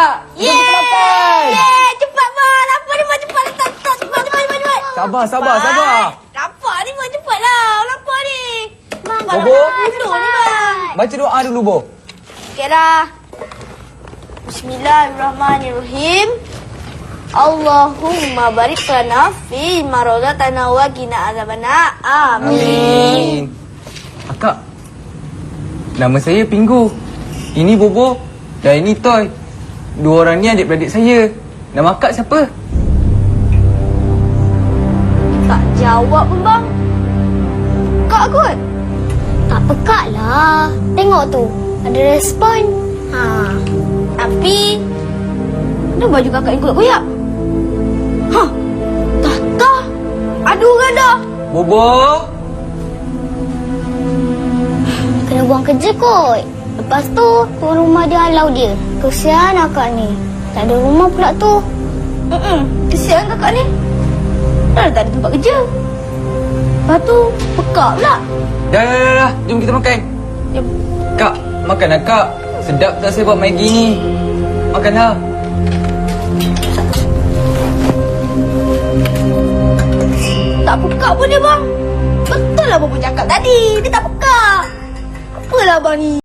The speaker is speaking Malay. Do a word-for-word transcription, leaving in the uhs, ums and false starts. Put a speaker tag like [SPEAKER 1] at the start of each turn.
[SPEAKER 1] Yeay! Yeay! Cepat, bang. Lapar ni, bang. Cepat. Letak, letak. Cepat, cepat, cepat, cepat.
[SPEAKER 2] Sabar, sabar, sabar.
[SPEAKER 1] Lapar ni, bang. Cepatlah. Lapar ni. Bang,
[SPEAKER 2] Bobo?
[SPEAKER 1] Duduk ni, bang.
[SPEAKER 2] Baca doa dulu, Bo.
[SPEAKER 1] Okey dah. Bismillahirrahmanirrahim. Allahumma barik lana fi ma razaqtana wa qina azabana. Amin.
[SPEAKER 2] Akak, nama saya Pinggu. Ini Bobo dan ini Toy. Dua orang ni adik-beradik saya. Nama akak siapa?
[SPEAKER 1] Tak jawab pun, bang. Kak kot.
[SPEAKER 3] Tak pekak lah. Tengok tu. Ada respon. Ha.
[SPEAKER 1] Tapi kenapa baju kakak yang koyak-koyak? Hah? Tata. Aduh, ganda.
[SPEAKER 2] Bobo.
[SPEAKER 3] Kena buang kerja kot. Lepas tu, tuan rumah dia halau dia. Kesian akak ni. Tak ada rumah pula tu.
[SPEAKER 1] Mm-mm. Kesian kakak ni. Dah tak ada tempat kerja. Lepas tu, pekak pula.
[SPEAKER 2] Dah, dah, dah, dah. Jom kita makan.
[SPEAKER 1] Jom.
[SPEAKER 2] Kak, makanlah kak. Sedap tak saya buat Maggi ni. Makanlah.
[SPEAKER 1] Tak pekak pun dia, bang. Betul lah Bobo cakap tadi. Dia tak pekak. Apalah abang ni.